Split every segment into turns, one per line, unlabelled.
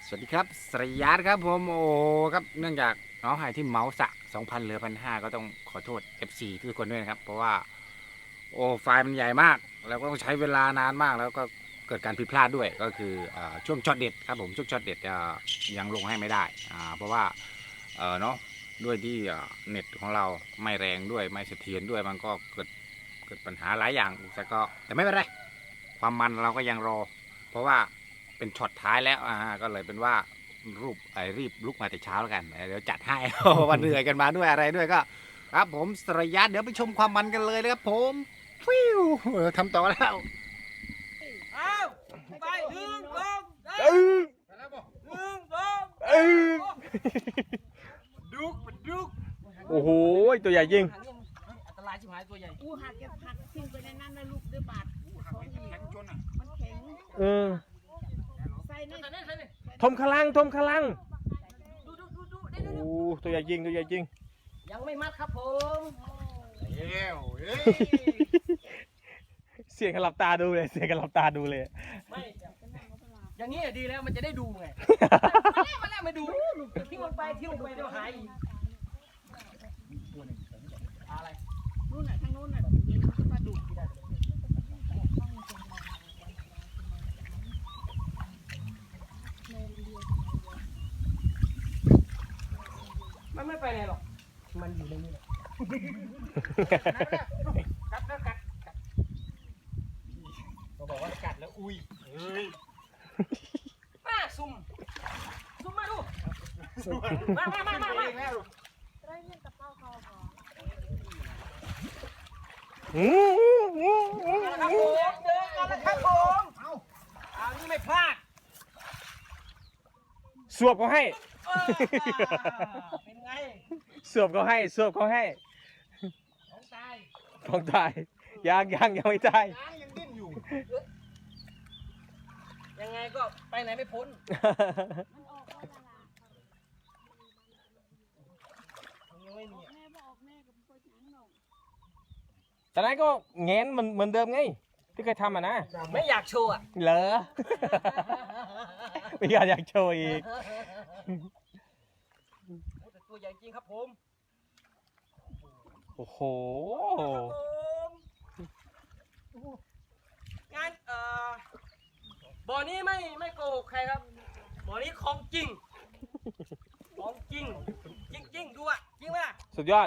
สวัสดีครับสรยาครับผมโอ้ครับเนื่องจากน้องหายที่เมาส์สะ 2,000 เหลือ 1,500 ก็ต้องขอโทษ FC ทุกคนด้วยนะครับเพราะว่าโอ้ไฟล์มันใหญ่มากแล้วก็ต้องใช้เวลานานมากแล้วก็เกิดการผิดพลาดด้วยก็คือช่วงช็อตเด็ดครับผมช่วงช็อตเด็ดยังลงให้ไม่ได้เพราะว่าเนาะด้วยที่เน็ตของเราไม่แรงด้วยไม่เสถียรด้วยมันก็เกิดปัญหาหลายอย่างแต่ไม่เป็นไรความมันเราก็ยังรอเพราะว่าเป็นช็อตท้ายแล้วก็เลยเป็นว่ารีบลุกมาแต่เช้าแล้วกันเดี๋ยวจัดให้ วันเหนื่อยกันมาด้วยอะไรด้วยก็ครับผมสรยัตเดี๋ยวไปชมความมันกันเลยนะครับผมฟิวทำต่อแล้ว
เอาไปหนึ่งสองดุก
โอ้โหตัวใหญ่จริง
อันตรายชิบหายตัวใหญ่
หักทิ้งไปในนั้นนะลูกด้วยบาดมันแข็งใส่ใน
ทมขลังโอ้ตัวใหญ่จริง
ยังไม่มัดครับผม
เสียงกันหลับตาดูเลย
ไม่อย่างนี้ดีแล้วมันจะได้ดูไงมาแล้วไม่ดูทิ้งลงไปเดี๋ยวหายอีกอะไร
นู่นน่ะทางนู้นน่ะปลาดุก
มันไม่ไปไหนหรอกมันอยู่ในนี้แหละกัดก็บอกว่ากัดแล้วอุ้ยมาซุ่มมาดูมา
ไรเงี้ยกับเป้าคอก่อน
เจอกันแล้วครับผมเอานี่ไม่พลาด
สวบเขาให้
เป็นไง
สวบเขาให้ของตายยังไม่ตาย
ยังดิ้นอยู่ยังไงก็ไปไหนไม่พ้น
มันออกแล้วล่ะ
ยังไม่มี
แม่บอกแม่กับพ่อฉันหรอก
ตอนนั้นก็แง้นมันเหมือนเดิมไงที่เคยทำนะ
ไม่อยากโชว์อ่ะ
เหรอไม่อยากโชว์อีก
แต่ตัวใหญ่จริงครับผม
โอ้โห
งานบ่อนี้ไม่โกหกใครครับบ่อนี้ของจริงดูอ่ะจริงไหมล่ะ
สุดยอด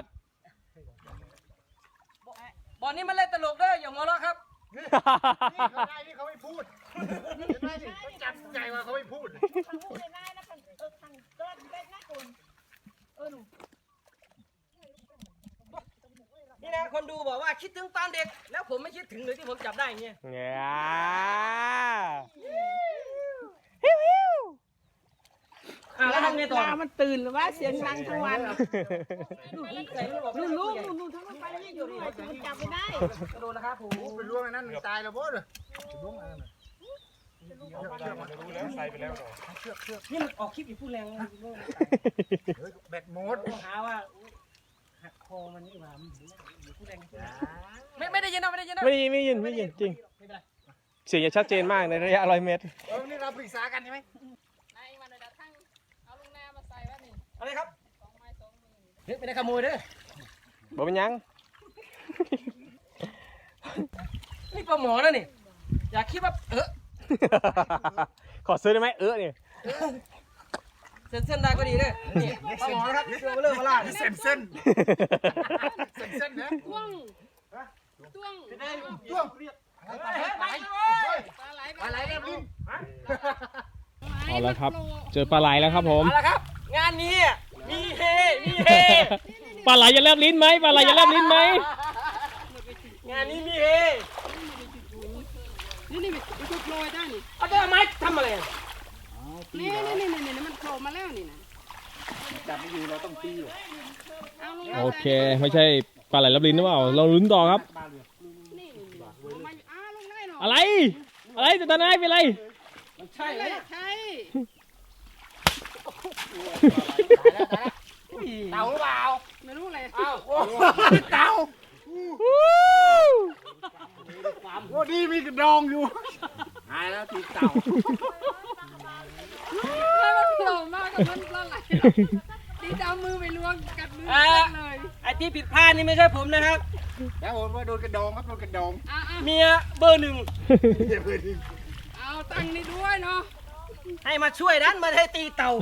บ่อนี้มันเล่นตลกด้วยอย่าหัวเราะครับ
นี่เขาไม่พูดเขาจับใจว่าเขาไม่พูด
พูดเลยนะทางก็ได้หน้าคนหนู
นี่นะคนดูบอกว่าคิดถึงตอนเด็กแล้วผมไม่คิดถึงเลยที่ผมจับได้เงี้ยแล้วทำไงต่อ
มันตื่นหรือว่าเสียงดังทั้งวันลูกทั้งวันไปนี่อยู่ด้วยมันจับไม่ได้
โดนนะครับผม
ไปล่วงไอ้นั่นตายแล้วบ่เลยล่วงไอ้นั่น
รู้แล้วใส่ไปแล้ว
นี่มันออกคลิปอยู่พูดแรง
แบตหมด
หาว่าหักคอมันนี่หว่าพูดแรงไม่ได้ยินนะ
ไม่ยินจริงเสียงจะชัดเจนมากในระยะ100 เมตร
นี่เราปรึกษากันใช่ไหม
นายวันเดียวทั้งเอาลุงนามาใส่แล้วนี่
อะไรครับ
2 ไม้ 2 มือ
ไม่ได้ขโมยเด้อ
บอกเป็นยัง
นี่ปลาหมอนะนี่อยากคิดว่า
ขอซื้อได้ไหมนี่
เส้นได้ก็ดีเลยนี่ปลาหมอนะครับเรื่องเรื่องมาล่า
เส้นนะ
ต้วง
ปลาไหลเรียบลิ้น
เอาละครับเจอปลาไหลแล้วครับผม
เอาละครับงานนี้มีเฮ
ปลาไหลจะแลบลิ้นไหมงาน
นี้มีเฮ
นี่มันโผล่ได้นี่
เอาตัวไม้ทำอะไร
นี่มันโผล่มาแล้วนี่นะ
จับไม่อยู่เราต้องตี
โอเคไม่ใช่ปลาไหลแลบลิ้นหรือเปล่าเราลุ้นต่อครับอะไรแต่ตอนนั้นเป็นไร
ใช่เต่าหรือเปล่า
ไม่รู้เลย
อ้าว
เต่าโอ้ดีมีกระดองอยู่หายแล้วตีเต่า
ตรงนั้นปลาไหลตีดาวมือไปล้วงกัดมือเลย
ไอ้ที่ผิดพลาดนี่ไม่ใช่ผมนะครับ
แล้วผมว่าโดนกระดองครับโดนกระดอง
เมียเบอร์หนึ่ง
เอาตังค์นี่ด้วยเนาะ
ให้มาช่วยดันมาให้ตีเต่า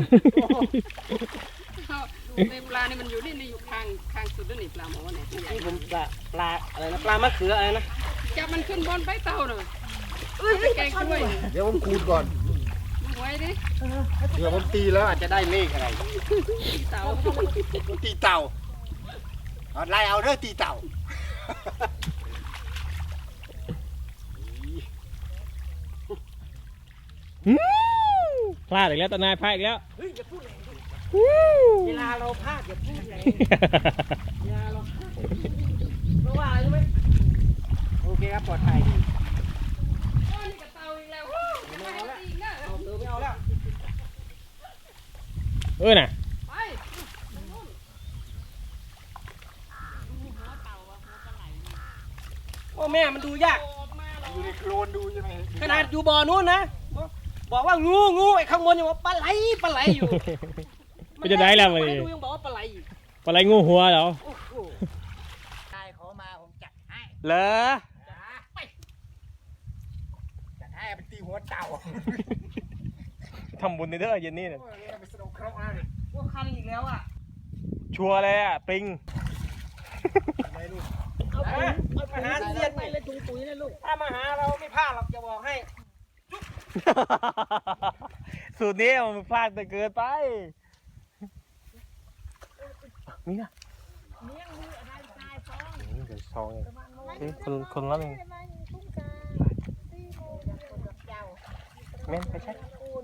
ในปลานี่มันอยู่นี่อยู่ข้างสุดนี่ปลาหมอเนี่ย
นี่ผมปลาอะไรนะปลามะเขืออะไรนะ
จับมันขึ้นบนไปเต่าหน่อยแกงด้วย
เดี๋ยวผมคูณก่อน
หวยดิ
เดี๋ยวผมตีแล้วอาจจะได้เลขอะไร
ตีเต่า
ตีเต่าเอาไล่เอาเรื่องตีเต่า
พลาดอีกแล้วตานายพลาดอีกแล้ว
เฮ้ยอย่าพูดแรงดิเวลาเราพลาดอย่าพูดแรงเวลาเราพลาดเพราะว่าอะไรรู้ไหมโอเคครับปลอดภัยดี
โอ้นี่กับเต่าอีกแล้วไม่ให้ตีอีกนะ
เอาเติมไม่เอาแล้ว
น่ะ
ไปนู่นหัวเต่าอะหัวปลาไหล
โอ้แม่มันดูยาก
ออกมาแล้ว
อยู่ในโคลนดูใช่ไหม
ขนาดอยู่บ่อนู้นนะบอกว่างูไอ้ข้างบนยังบอกปลาไหลอยู่
ไม่จะได้แล้ว
มั
มัน
นดูยังบอกว่าปลาไหลอยู่
ปลาไหลงูหัวเหรอ
โอ้โห
นายเขามาผมจัดให้
เหรอ
จัดให้เป็นตีหัวเต่า
ทำบุญในเด้อเย็นนี้เนี่ย
โอ้ยเป็นสโนว์ครอกนะเลย
พวกคันอีกแล้วอ่ะ
ชัวร์เลยอ่ะปิง
เอามาหาเสียนไปเลยถุงปุ๋ยนะลูกถ้ามาหาเราไม่พลาดหรอกจะบอกให้
สูตรนี้มันพลาดแต่เกินไปนี่นะนี่เดี๋ยวซองคนละหนึ่งแม่นไปใช่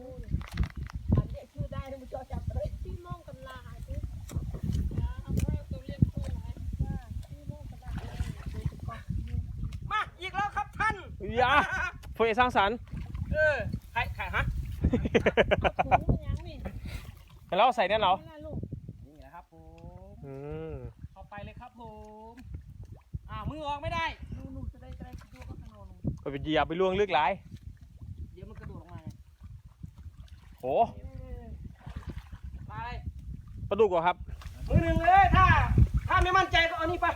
มาอีกแล้วครับท่าน
ยาผู้ใหญ่สร้างสรรค์
ใครฮะ
แล้วใส่เนี่ยเหรอ
นี่แหละครับผม
อืม
เข้าไปเลยครับผมมือออกไม่ได้นู่นจะได้ตัวก็ขนม
ไปเหยียบไปล่วงลึกหลาย
เดี๋ยวมันกระโดดลงมาไง
โอ้
ปลาอะไร
ปลาดุกเหรอครับ
มือหนึ่งเลยถ้าไม่มั่นใจก็เอานี่ไป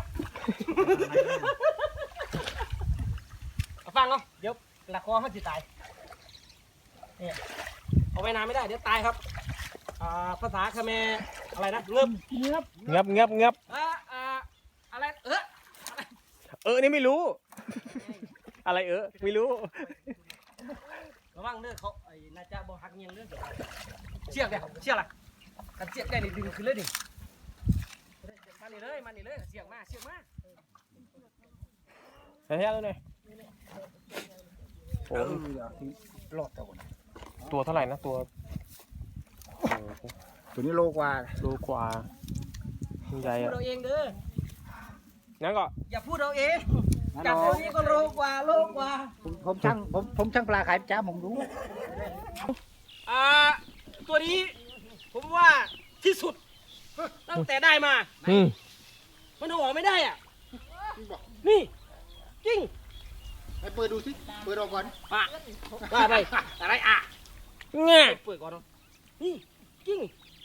ฟังเนาะเดี๋ยวละคอมันจะตายเนี่ยเอาไว้นานไม่ได้เดี๋ยวตายครับภาษาเขมรอะไรนะเงือบ
งับ
อะไร
นี่ไม่รู้ อะไรไม่รู้
ระวังเด้อเขาไอ้น่าจะบ่หักเงียงเด้อเชือกเนี่ยเชือกอะไรกันเชือกได้นี่ดึงขึ้นเลยดิมานี่เลยเชือกมา
ใส่แท้แล้วเนี่ยโอ้
รอดเต่านะ
ตัวเท่าไหร่นะตัว
ตัวนี้โลกว่า
โลกว่าใหญ่
พูด
อะ
เราเองเด้อ
งั้นก็
อย่าพูดเราเองจับตัวนี้ก็โลกว่า
ผมช่างปลาขายจ้าผมรู้
ตัวนี้ผมว่าที่สุดตั้งแต่ได้มา มันเอาออกไม่ได้อ่ะนี่จริง
ไปเปิดดูสิเปิดออกก่อน
ว่าไปอะไรง่ายเปิดก่อนนี่จริง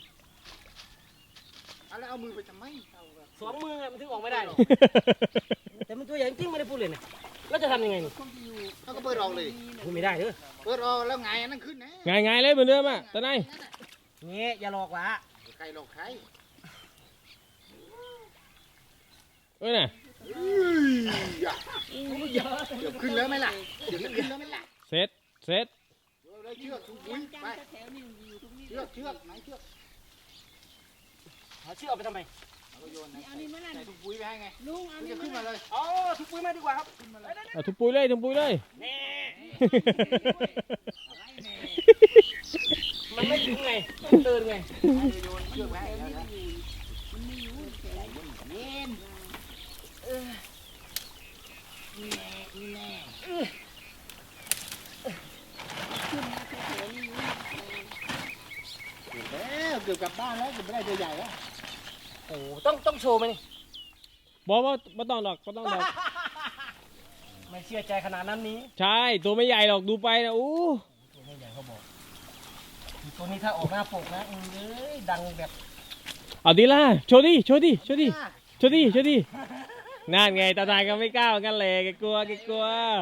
แล้วเอามือไปทำไม
สองมือมันถึงออกไม่ได้หรอกแต่มันตัวใหญ่จริงไม่ได้พูดเลยนะแล้วจะทำยังไงนี่
เขาก็เปิดออกเลย
พูดไม่ได้เด้อ
เปิดออกแล้วไงอันนั้นขึ้นนะ
ไงเลยเหมือนเดิมอ่ะตาไหน
เงี้ยอย่าหลอกวะ
ใครหลอกใคร
น่ะ
เดี๋ยวขึ้นแล้วไหมล่ะเดี๋ยวจะขึ้นแล้วไหมล่ะ
เซ็ต
เชือกอุ้ยไปเชือกไหนเชือก
หาเชือกเอาไปทำไม
เอาโยนใส่ถุงปุ๋ยไปให้ไง
ลุงเอา
จะขึ้นมาเลย
อ๋อทุกปุ๋ยมาดีกว่าครับ
เอาทุบปุยเลย
แน่มันไม่ถึงไงต้องเดินไง
โยนเชือกไปให้แล้วนะเกือบกลับบ้านแล้วเกือบไม่ได้ตัวใหญ่แล้ว
โอ้ต้องโชว์ไหมนี่
บอกว่าไม่ต้องดอก
ไม่เชื่อใจขนาดนั้นนี้
ใช่ ตัวไม่ใหญ่หรอกดูไปนะอู้
ตัวไม่ใหญ่เขาบอกตัวนี้ถ้าออกหน้าปกนะดังแบบ
เอาดีล่ะโชว์ดิโชว์ดิโชว์ดิโชว์ดิโชว์ดินั่นไงตาตายก็ไม่กล้าเหมือนกันเลยแกกลัวแกกลัว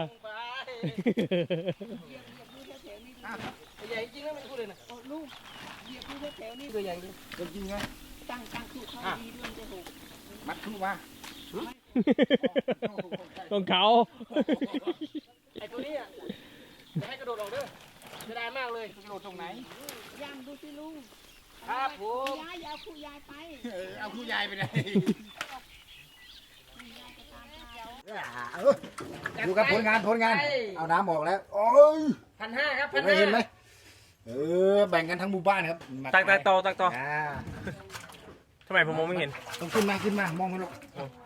ใหญ่จริงนะไม่พูดเลยนะ
โอ้ลูกเหยียบอยู่แถวๆนี้
ตัวใหญ่จริง
จริงไง
ตั้งถูกเขาดีด้วยจะถูก
มัดคู่มา
ของเขา
ไอ้ตัวนี้อ่ะจะให้กระโดดออกเด้อจะได้มากเลย
กระโดดตรงไหน
ย่างดูสิลุง
ครับผม
ยายเอาคู่ยายไป
เอาคู่ยายไปเลยดูครับผลงานเอาน้ำออกแล้วโอ้ย
1,500ครับ
เห็นไหมแบ่งกันทั้งหมู่บ้านครับ
ตักต่อ
อ่า
ทำไมผมมองไม่เห็น
ต้องขึ้นมามองมันลูก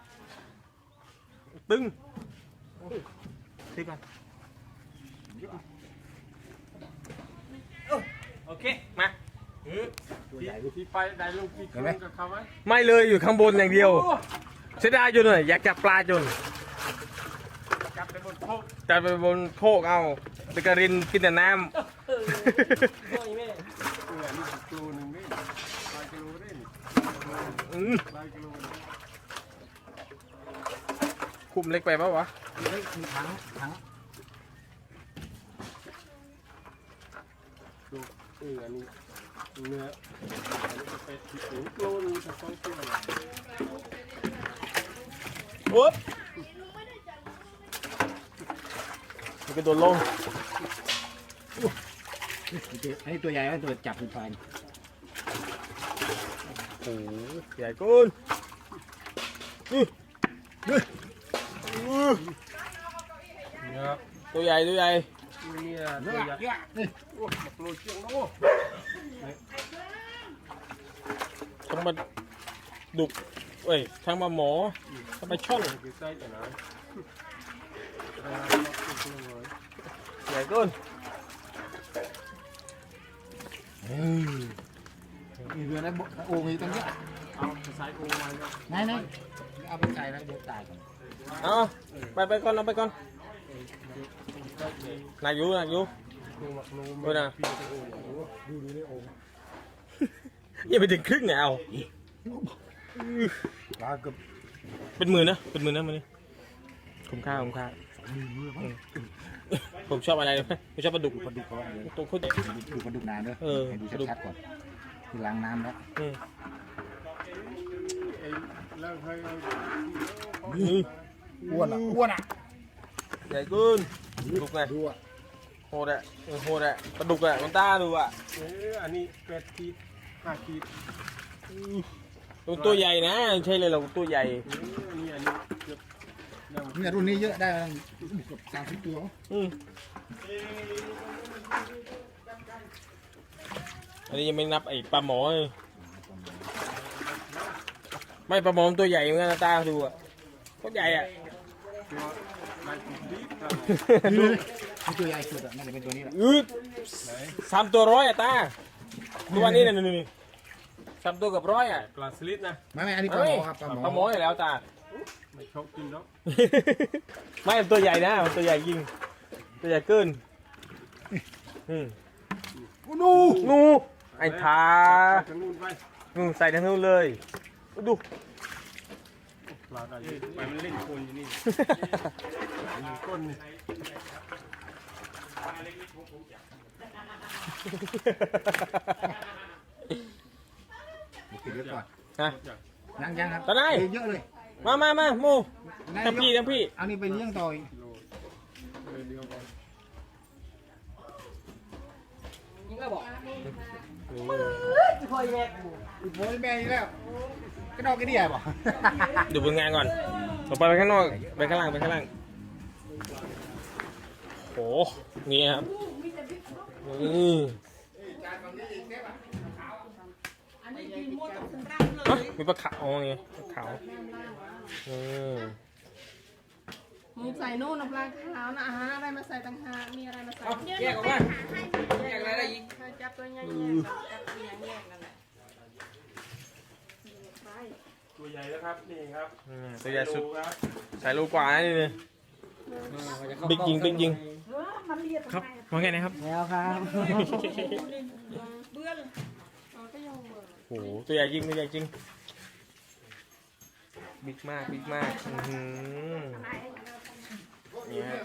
ตึ้งซื้อกันโอเคมา
ตัวใหญ่ลูก
ที่ไปได้ลูกที่
เห็นไหม
กับเขาไหม
ไม่เลยอยู่ข้างบนอย่างเดียวเสียดายจนเลยอยากจับปลาจน
จับไปบนโคก
จับไปบนโคกเอาตะกรินกินแต่น้
โอ้ยแม่
นี่กิโลหนึ่งนี่100 กิโลนี่
ำ
100 กิโลนี่
คุมเล็กไปปะวะ
มีถัง
ดูอันนี้เนื้อเป็ดที่ถึงกิโลนึงจะ2 กิโล
อุ๊บมันกระโดดลง
อันนี้ตัวใหญ่ไหมตัวจับเป็นไฟ
โอ้โหใหญ่กุนตัวใหญ่
นี่
เย
ตัว
อะ
ใหญ่
เยอะนี่
โอ้โลเชียงโล
ทั้งมาดุกเอ้ยทั้งมาหมอทั้งมาช่อน
คือใส่แต่นะ
ใหญ่กุน
มีเรือนะโอ่งอยู่ตรงนี้
เอาใส่โอ่งไว้นะ
ไหนเอาไปใส่แล้วเดี๋ยวตายก่อน
เอาไปก่อนเอาไปก่อนหนักอยู่
ดู
เออนะ
พี่จะโอ่งดูในโอ่ง
ยังไปถึงครึ่งเนี่ยเอา
ปลาเกือบ
เป็นหมื่นนะมันนี่คุ้มค่าผมชอบอะไรไหมผมชอบปลาดุก
ปลาดุกเขาเดี๋ยว
ตัวโคตร
ดูปลาดุกนานด้วย
เออ
ให้ดูชัดๆก่อนที่ล้างน้ำแล้ว
อืม
ไอ้แล้วให้
อ้วนอ่ะ
ใหญ่กุนดุกไง
ดูอ่ะ
โหดอะปลาดุกอะมันต้าดูอะ
อันนี้8 ขีด 5 ขีด
มันตัวใหญ่นะไม่ใช่เลยเราตัวใหญ่
อันนี้เกือบ
เนี่ยรุ่นนี้เยอะได้เกือบ30 ตัว
อืมอันนี้ยังไม่นับไอ้ปลาหมอเลยไม่ปลาหมอมันตัวใหญ่เหมือนกันนะตาดูอะโคตรใหญ่อะ
นี่ตัวใหญ่สุดอ่ะน่าจะเป็นตัวนี้แหละ
3 ตัว100อะตาตัวนี้นี่3 ตัวกับ100อะ
ปลาสลิดนะ
ไม่อันนี้ปลาหมอครับปลาหมอ
ปลาหมออยู่แล้วตา
ไม่ชอบกินเนาะ
ไม่มันตัวใหญ่นะมันตัวใหญ่ยิงตัวใหญ่เกินนูไอ้ทา
ทางนู้นไป
ใส่ทั้งนู้นเลยดู
ปลาได้ไปมันเล่นคนอยู่นี่มีก้นนี่
ปิดไว้ก่อน
ฮะ
ยังครับ
ตอนไหน
เยอะเลย
มาโมทั้งพี่
เอานี่ไปเลี้ยงต่ออีก
โลเลยเดียวกัน
ยิงก็บอก
โอ้ยแม่อีกแล้วก็นอกก็ดีอ่ะบ่
ดูผลงานก่อนต่อไปข้างนอกไปข้างล่างโอ้นี่ครับนี่
อันนี้กินหมดกับสันรังเลย
มีปลาขาวไงปลาขาวอืม
มึงใส่นู่นนะปลาขาวนะอาหารอะไรมาใส่ต่างหากมีอะไรมาใส่
แยกออกมาแยกอะไรได้อีก
จับตัวใหญ่ๆจับตัวใหญ่ๆนั่นแหละ
ตัวใหญ่แล้วครับนี่ครับ
ตัวใหญ่สุด
ครับ
ใส่ลูกกว่านี่เลยบิ๊กยิง
มันเรียก
ครับว่าไงนะครับ
แล้วครับ
ดอ๋อก็ยังเบิร์
โอ้โหตัวใหญ่จริงตัวใหญ่จริงบิ๊กมากบิ๊กมากนี่ฮะ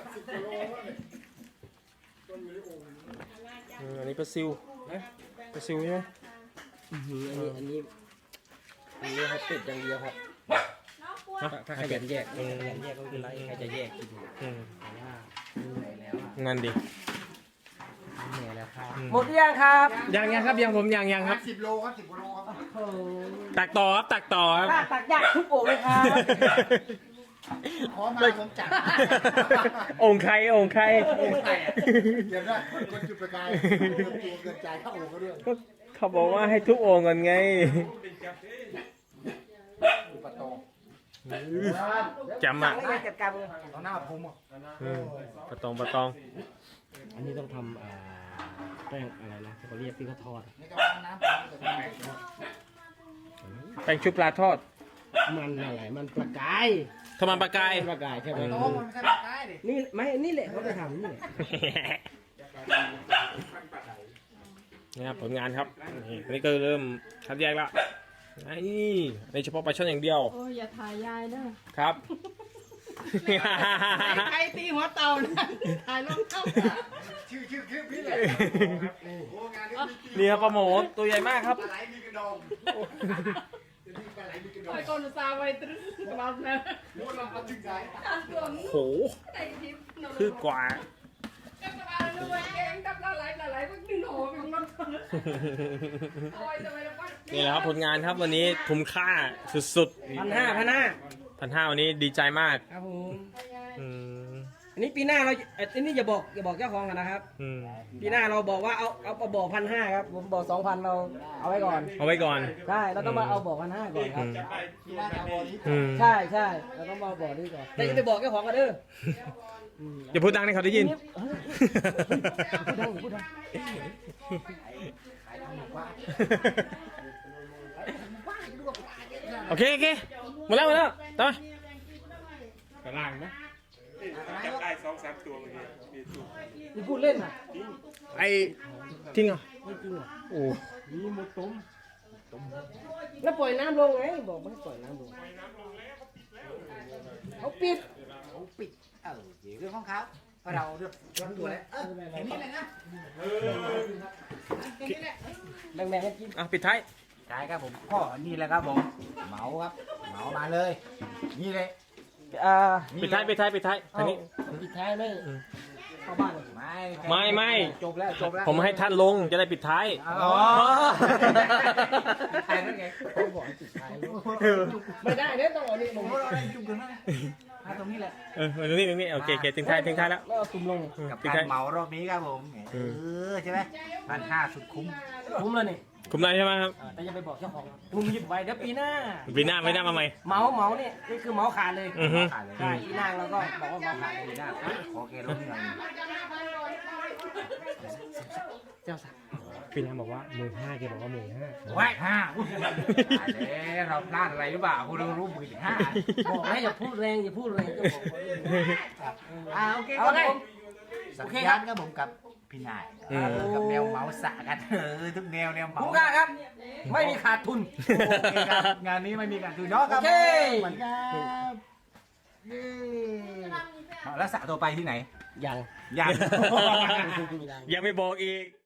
อันนี้ปลาซิวปลาซิวใช่ไหม
อันนี้เขาติดอย่างเดียวครับถ้าขยันแยกขยันแยกก็ไม่เป็นไรใครจะแยกกิน
อืม
เหนื่อยแล้วอ่ะ
นั่นดิ
เหนื่อยแล้วครับหมดยังครับ
ยังครับยังผมยังครับ
10 โลครับ10 โลครับ
โอ้โห
ตักต่อครับตักต่อครับ
ตักยากทุกโอ่งเลยครับ
ขอมาผมจัด
องค์ใครองค์ใคร
เดี๋ยวนะคนจุดประกายเกินใจเข้าโอ่งเขาด้วย
ก็เขาบอกว่าให้ทุกองค์ก่อนไง
ปะโต
จำอ่ะ
ไม่จัดการเลย
เอาหน้าผมอ่ะ
ปะตองปะตอง
อันนี้ต้องทำแป้งอะไรนะเขาเรียกที่เขาทอด
นี่ก็เอาน้ำผมจะแม่
แป้งชุบปลาทอด
มันอะไรมันประกาย
ทำมันปลากาย
ประกายใช่ไหม
โตมันไม่ใช่ปลากายดิ
นี่ไม่นี่แหละเขาจะทำนี่แหละ
นี่ครับผลงานครับนี่อันนี้ก็เริ่มคัดแยกแล้วนี่ในเฉพาะปลาช่อนอย่างเดียว
โอ้ยอย่าถ่ายยายเด้อ
ครับ
ใครตีหัวเต่านะถ่ายลงเต่า
ชื่อคลิปนี้แหละโอ้โหงานนี้มี
นี่ครับปลาหมอตัวใหญ่มากครับ
ปลาไหลมีกระดองปลาไหลมีกระดอง
ไอ้คนอุตส่าห์ไว้ตรึกลับนะ
ม้วนลำถึงใจ
ตามตัวมึง
โห
ไอ้ทิพย์นอน
คือกว่า
ก็สบายเลยเว้ยเองดับละไหลพวกดึงโหไปของมันโอ้ยทำไมเราปั้น
นี่แหละครับผลงานครับวันนี้คุ้มค่าสุด
1,500
วันนี้ดีใจมาก
ครับผม
อืม
อันนี้ปีหน้าเราอันนี้อย่าบอกเจ้าของกันนะครับ
อืม
ปีหน้าเราบอกว่าเอาบอก1,500ครับผมบอก2,000เราเอาไว้ก่อน
เอาไว้ก่อน
ใช่เราต้องมาเอาบอก1,500ก่อนครับ
ที่หน้าเอาบอลนี้
อืม
ใช่เราต้องมาเอาบอกนี่ก่อนแต่อย่าไปบอกเจ้าของกันเด้อ
อย่าพูดดังให้เขาได้ยิน
พูดดัง
โอเคหมดแล้วต่อ
กระล่างไหมจับได้2-3 ตัวเมื่อกี้มีตัว
นี่พูดเล่นอ่ะ
ไอ้จริงเหรอ
ไม่จริงอ่ะ
โอ้
มีหมดตุ้ม
แล้วปล่อยน้ำลงไงบอกไม่ให้ปล่อยน้ำลงเขาปิด
ปิดเรื่องของเขาเราเรื่องตัวแล้วเห็นนี่เลยนะ
แบ่งๆให้กิน
อ่ะปิดท้าย
ใช่ครับผมก็นี่แหละครับผมเหมาครับเหมามาเลย นี่เลย
ปิดท้ายทางนี้
ปิดท้ายไม่
อืม
เข้าบ้านเลย
ไม่
จบแล้วจบแล้ว
ผมให้ท่านลงจะได้ปิดท้าย
อ๋อใครนั่นไง
เขาบอกให้ปิดท้ายไม่ได้เนี่ยต้องเอานี่ลง
เราได้จุ่มกันไหมตรงนี้แหละ
ตรงนี้โอเคถึงท้ายแล้ว
แล้วเอาตุ่มลง
กับ
ปิด
กา
ท้าย
รเหมารอบนี้ครับผมใช่ไหม1,500สุดคุ้ม
คุ้มแล้วนี่
คุมได้ใช่ไหมครับ
แต่อย่าไปบอกเจ้าของลุงหยิบไว้เดี๋ยวปีหน้า
ปีหน้าไม่ได้มาใหม่
เมาเนี่ยนี่คือเมาขาดเลย
อือฮึ
ขาดเลย
ใช่ปีหน้าเราก็บอกว่าเมาขาดเลย
ปีหน้าขอแกลงหน่อย
เจ้าสัก
ปีหน้าบอกว่า15,000แกบอกว่า15,000
ไว้แล้วเราพลาดอะไรหรือเปล่าคุณรู้15,000
บอกให้อย่าพูดแรงก็บอกว่า
โอเค
เอาไง
สัญญาณครับผมกับพี่นายกับแนวเมาส์สะกันทุกแนวเมา
คุ้ม
ส์
ค่าครับ ไม่มีขาดทุน
โอเคครับงานนี้ไม่มีการถือเนาะครับ
โอเค
เหมือนกันแล้วสระตัวไปที่ไหน
ยัง
ยัง
ยังไม่บอกอีก